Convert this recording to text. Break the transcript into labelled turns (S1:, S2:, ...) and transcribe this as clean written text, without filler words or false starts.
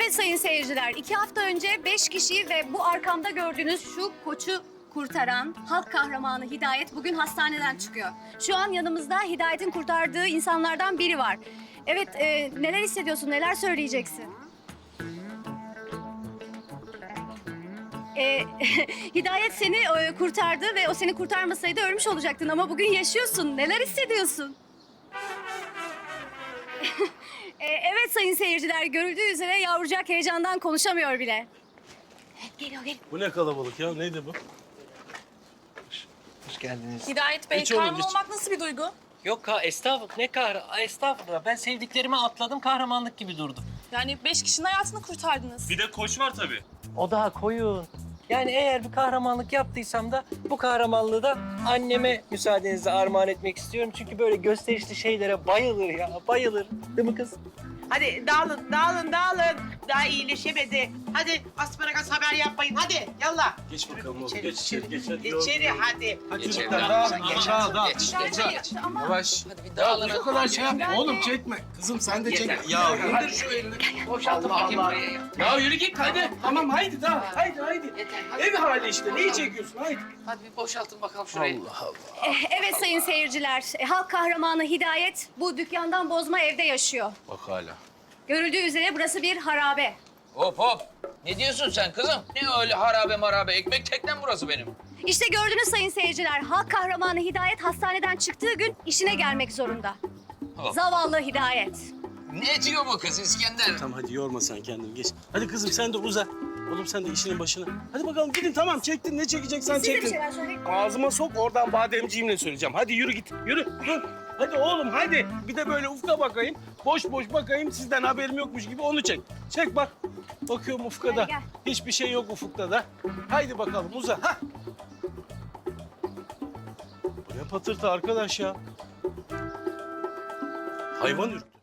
S1: Evet sayın seyirciler, 2 hafta önce 5 kişiyi ve bu arkamda gördüğünüz şu koçu kurtaran halk kahramanı Hidayet bugün hastaneden çıkıyor. Şu an yanımızda Hidayet'in kurtardığı insanlardan biri var. Evet, neler hissediyorsun, neler söyleyeceksin? Hidayet seni kurtardı ve o seni kurtarmasaydı ölmüş olacaktın ama bugün yaşıyorsun. Neler hissediyorsun? Evet sayın seyirciler, görüldüğü üzere yavrucak heyecandan konuşamıyor bile. Geliyor.
S2: Bu ne kalabalık ya? Neydi bu?
S3: Hoş geldiniz.
S4: Hidayet Bey,
S2: Geç oğlum,
S4: kahraman
S2: geç.
S4: olmak nasıl bir duygu?
S3: Yok estağfurullah. Ne estağfurullah. Ben sevdiklerimi atladım, kahramanlık gibi durdum.
S4: Yani 5 kişinin hayatını kurtardınız.
S2: Bir de koç var tabii.
S3: O daha koyun. Yani eğer bir kahramanlık yaptıysam da bu kahramanlığı da anneme müsaadenizle armağan etmek istiyorum. Çünkü böyle gösterişli şeylere bayılır ya, bayılır. Değil mi kız?
S5: Hadi dağılın. Daha iyileşemedi. Hadi asparagas haber yapmayın. Hadi yallah.
S2: Geç bakalım oğlum.
S5: İçeri,
S2: Geç içeri. Geç hadi.
S5: İçeri hadi.
S2: Hadi
S6: Geç
S2: çocuklar
S6: evladım,
S2: dağılın.
S6: sen geç.
S2: Dağıl.
S6: Geç.
S1: Ama
S6: Yavaş.
S4: Hadi bir
S6: Ya
S4: dağılın.
S6: bu kadar şey yapma. Oğlum çekme. Kızım sen de çekme. Ya indir şu elini.
S4: Boşaltın bakayım buraya ya.
S6: Ya yürü git hadi. Tamam haydi daha. Haydi. Ev hali işte. Neyi çekiyorsun? Haydi.
S4: Hadi bir boşaltın bakalım şurayı.
S1: evet sayın seyirciler, halk kahramanı Hidayet bu dükkandan bozma evde yaşıyor.
S6: Bak hala.
S1: Görüldüğü üzere burası bir harabe.
S7: Hop. Ne diyorsun sen kızım? Ne öyle harabe marabe? Ekmek teknem burası benim.
S1: İşte gördünüz sayın seyirciler, halk kahramanı Hidayet hastaneden çıktığı gün işine gelmek zorunda.
S7: Oh.
S1: Zavallı Hidayet.
S7: Ne diyor bu kız İskender?
S2: Tamam hadi yorma sen kendini. Geç. Hadi kızım sen de uza. Oğlum sen de işinin başına. Hadi bakalım gidin tamam çektin. Ne çekeceksen
S1: Siz de bir
S2: çektin.
S1: şeyler söyleyin.
S2: Ağzıma sok oradan bademciğimle söyleyeceğim. Hadi yürü git. Yürü. Dur. Hadi oğlum hadi. Bir de böyle ufka bakayım. Boş bakayım. Sizden haberim yokmuş gibi onu çek. Çek bak. Bakıyorum ufkada.
S1: Gel.
S2: Hiçbir şey yok ufukta da. Haydi bakalım uza. Hah. Bu ne patırtı arkadaş ya. Hayvan ürktü.